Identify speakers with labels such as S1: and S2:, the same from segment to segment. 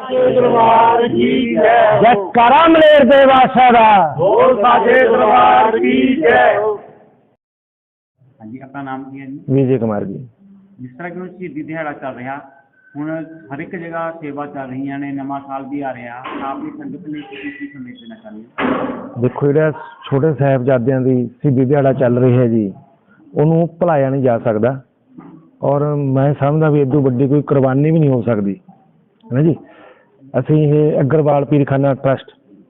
S1: दरबार की जय।
S2: जयकारा मलेर दे बादशाह दा।
S1: बोल साचे दरबार की जय।
S3: हाँ जी, अपना नाम की है जी?
S2: विजय कुमार जी।
S3: जिस तरह कि ਹੁਣ ਸ਼ਹੀਦੀ ਦਿਹਾੜਾ ਚੱਲ ਰਿਹਾ, ਹੁਣ ਹਰ ਇੱਕ ਜਗ੍ਹਾ ਸੇਵਾ ਚੱਲ ਰਹੀਆਂ ਨੇ, ਨਵਾਂ ਸਾਲ ਵੀ ਆ ਰਿਹਾ, ਆਪਣੀ ਸੰਗਤ ਲਈ ਤੁਸੀਂ ਕੀ ਸੰਦੇਸ਼ ਦੇਣਾ ਚਾਹੁੰਦੇ ਹੋ?
S2: ਦੇਖੋ, ਜਿਹੜਾ ਛੋਟੇ ਸਾਹਿਬਜ਼ਾਦਿਆਂ ਦੀ ਸ਼ਹੀਦੀ ਦਿਹਾੜਾ ਚੱਲ ਰਹੀ ਹੈ ਜੀ, ਉਹਨੂੰ ਭੁਲਾਇਆ ਨਹੀਂ ਜਾ ਸਕਦਾ। ਔਰ ਮੈਂ ਸਮਝਦਾ ਵੀ ਇਦੋਂ ਵੱਡੀ ਕੋਈ ਕੁਰਬਾਨੀ ਵੀ ਨਹੀਂ ਹੋ ਸਕਦੀ, ਹੈ ਨਾ ਜੀ। ਅਸੀਂ ਇਹ Agarwal Peerkhana trust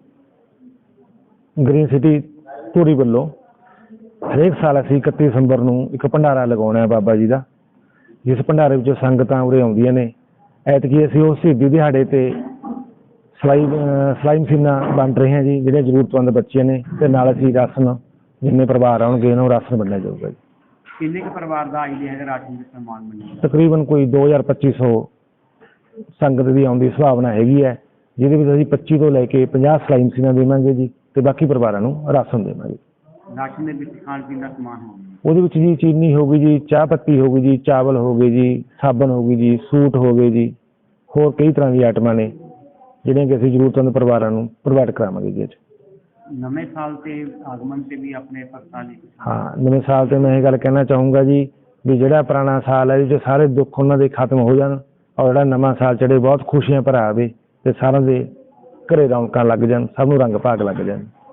S2: green city Dhuri ਵੱਲੋਂ ਹਰੇਕ ਸਾਲ ਅਸੀਂ 31 ਦਸੰਬਰ ਨੂੰ ਇੱਕ ਭੰਡਾਰਾ ਲਗਾਉਣਾ ਬਾਬਾ ਜੀ ਦਾ, ਜਿਸ ਭੰਡਾਰੇ ਵਿੱਚੋਂ ਸੰਗਤਾਂ ਉਰੇ ਆਉਂਦੀਆਂ ਨੇ। ਐਤਕੀ ਅਸੀਂ ਉਹ ਸ਼ਹੀਦੀ ਦਿਹਾੜੇ 'ਤੇ ਸਿਲਾਈ ਮਸ਼ੀਨਾਂ ਵੰਡ ਰਹੇ ਹਾਂ ਜੀ, ਜਿਹੜੇ ਜ਼ਰੂਰਤਮੰਦ ਬੱਚੇ ਨੇ, ਅਤੇ ਨਾਲ ਅਸੀਂ ਰਾਸ਼ਨ, ਜਿੰਨੇ ਪਰਿਵਾਰ ਆਉਣਗੇ ਉਹਨਾਂ ਨੂੰ ਰਾਸ਼ਨ ਵੰਡਿਆ ਜਾਊਗਾ ਜੀ।
S3: ਕਿੰਨੇ ਕੁ ਪਰਿਵਾਰ ਦਾ ਆਈਡੀਆ ਹੈਗਾ ਰਾਸ਼ਨ ਦੇ ਸਨਮਾਨ ਮਿਲਣ?
S2: ਤਕਰੀਬਨ ਕੋਈ 2000-2500 ਸੰਗਤ ਦੀ ਆਉਣ ਦੀ ਸੰਭਾਵਨਾ ਹੈਗੀ ਹੈ, ਜਿਹਦੇ ਵਿੱਚ ਅਸੀਂ 25 ਤੋਂ ਲੈ ਕੇ 50 ਸਿਲਾਈ ਮਸ਼ੀਨਾਂ ਦੇਵਾਂਗੇ ਜੀ, ਅਤੇ ਬਾਕੀ ਪਰਿਵਾਰਾਂ ਨੂੰ ਰਾਸ਼ਨ ਦੇਵਾਂਗੇ।
S3: ਰਾਸ਼ਨ ਦੇ ਵਿੱਚ ਖਾਣ ਪੀਣ ਦਾ ਸਮਾਨ ਹੋਊਗਾ?
S2: ਉਹਦੇ ਵਿੱਚ ਜੀ ਚੀਨੀ ਹੋ ਗਈ ਜੀ, ਚਾਹ ਪੱਤੀ ਹੋ ਗਈ ਜੀ, ਚਾਵਲ ਹੋ ਗਏ ਜੀ, ਸਾਬਣ ਹੋ ਗਈ ਜੀ, ਸੂਟ ਹੋ ਗਏ ਜੀ, ਹੋਰ ਕਈ ਤਰ੍ਹਾਂ ਦੀਆਂ ਆਈਟਮਾਂ ਨੇ ਜਿਹੜੀਆਂ ਕਿ ਅਸੀਂ ਜ਼ਰੂਰਤਮੰਦ ਪਰਿਵਾਰਾਂ ਨੂੰ ਪ੍ਰੋਵਾਈਡ ਕਰਾਵਾਂਗੇ ਜੀ।
S3: ਨਵੇਂ ਸਾਲ ਤੇ ਆਗਮਨ ਤੇ ਵੀ ਆਪਣੇ ਭਗਤਾਂ ਲਈ?
S2: ਹਾਂ, ਨਵੇਂ ਸਾਲ 'ਤੇ ਮੈਂ ਇਹ ਗੱਲ ਕਹਿਣਾ ਚਾਹੂੰਗਾ ਜੀ ਵੀ ਜਿਹੜਾ ਪੁਰਾਣਾ ਸਾਲ ਹੈ ਜੀ, ਸਾਰੇ ਦੁੱਖ ਉਹਨਾਂ ਦੇ ਖਤਮ ਹੋ ਜਾਣ, ਔਰ ਜਿਹੜਾ ਨਵਾਂ ਸਾਲ ਚੜ੍ਹੇ ਬਹੁਤ ਖੁਸ਼ੀਆਂ ਭਰਾ ਆਵੇ, ਅਤੇ ਸਾਰਿਆਂ ਦੇ ਘਰੇ ਰੌਣਕਾਂ ਲੱਗ ਜਾਣ, ਸਭ ਨੂੰ ਰੰਗ ਭਾਗ ਲੱਗ ਜਾਣ।